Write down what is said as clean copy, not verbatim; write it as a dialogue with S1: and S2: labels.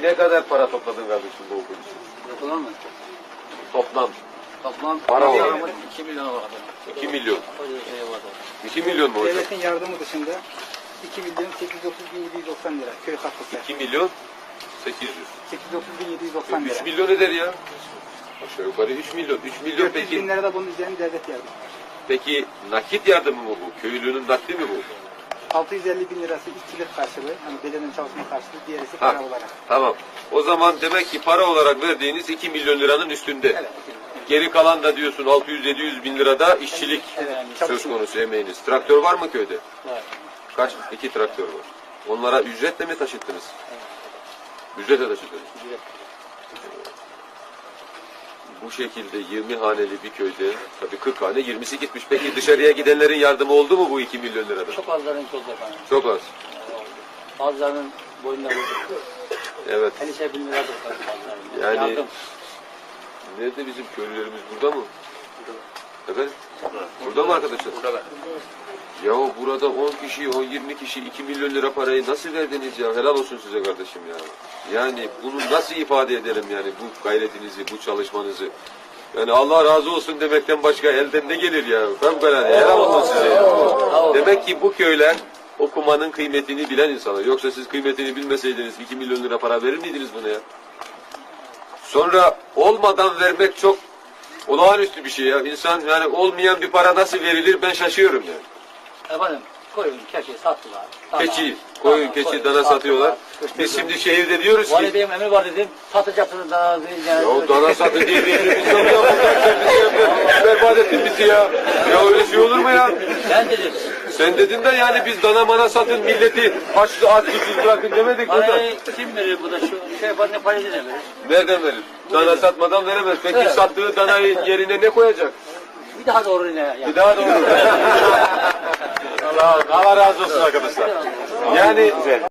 S1: ne kadar para topladın kardeşim bu okul için?
S2: Yapılan mı?
S1: Toplam.
S2: Toplam
S1: Para olarak.
S2: 2 milyon vardı.
S1: 2 milyon.
S2: Öyle şey vardı.
S1: 2 milyon mu hocam?
S3: Devletin yardımı dışında 2 milyon 830.790 lira köy katkısı.
S1: 2 milyon 800.
S3: 830.790 lira.
S1: 3 milyon eder ya. Aşağı yukarı 3 milyon. 3 milyon
S3: 400
S1: peki.
S3: bin lira da bunun üzerine devlet yardımı.
S1: Peki nakit yardımı mı bu? Köylünün nakdi mi bu?
S3: 650 bin lirası işçilik karşılığı, hani belediyenin çalışma karşılığı, diğerisi
S1: Ha,
S3: para olarak.
S1: tamam. O zaman demek ki para olarak verdiğiniz 2 milyon liranın üstünde.
S3: Evet.
S1: Geri kalan da diyorsun 600-700 bin lirada işçilik
S3: Evet.
S1: söz konusu emeğiniz. Traktör var mı köyde?
S2: Var.
S1: Kaç? 2 traktör var. Onlara ücretle mi taşıttınız? Ücretle taşıttınız.
S2: Ücret.
S1: Bu şekilde 20 haneli bir köyde, tabii 40 hane 20'si gitmiş. Peki dışarıya gidenlerin yardımı oldu mu bu 2 milyon lirada?
S2: Çok azların çok efendim.
S1: Çok az.
S2: Bazılarının boyunları vurdu.
S1: Evet.
S2: 50 bin lira da bazılarının.
S1: Yani
S2: Yardım.
S1: nerede bizim köylülerimiz, burada mı? Efendim? Burada mı arkadaşlar?
S2: Burada.
S1: Yahu burada 10 kişi, 10-20 kişi 2 milyon lira parayı nasıl verdiniz ya? Helal olsun size kardeşim ya. Yani bunu nasıl ifade edelim yani bu gayretinizi, bu çalışmanızı? Yani Allah razı olsun demekten başka elden ne gelir ya? Fevkalade helal olsun size. Demek ki bu köyler okumanın kıymetini bilen insanlar. Yoksa siz kıymetini bilmeseydiniz 2 milyon lira para verir miydiniz buna ya? Sonra olmadan vermek çok olağanüstü bir şey ya. İnsan yani olmayan bir para nasıl verilir ben şaşıyorum yani.
S2: Efendim koyun, keçi sattılar.
S1: Keçi, koyun, keçi, dana satıyorlar. Biz şimdi şehirde diyoruz ki
S2: Vali Bey'im emri var dedim. Satacaksınız dana.
S1: ya dana satı diye bir emrimiz yok ya. Sen berbat ettin bizi ya. Ya öyle şey olur mu ya?
S2: Ben dedim.
S1: Sen dedin de yani biz dana mana satın milleti açlı aç susuz bırakın demedik burada.
S2: Parayı kim verir bu da şu şey yapar ne parayı ne verir?
S1: Nereden verir? Dana satmadan veremez. Peki sattığı danayı yerine ne koyacak?
S2: Bir daha doğru ne yani?
S1: Bir daha doğru. Allah razı olsun arkadaşlar. Yani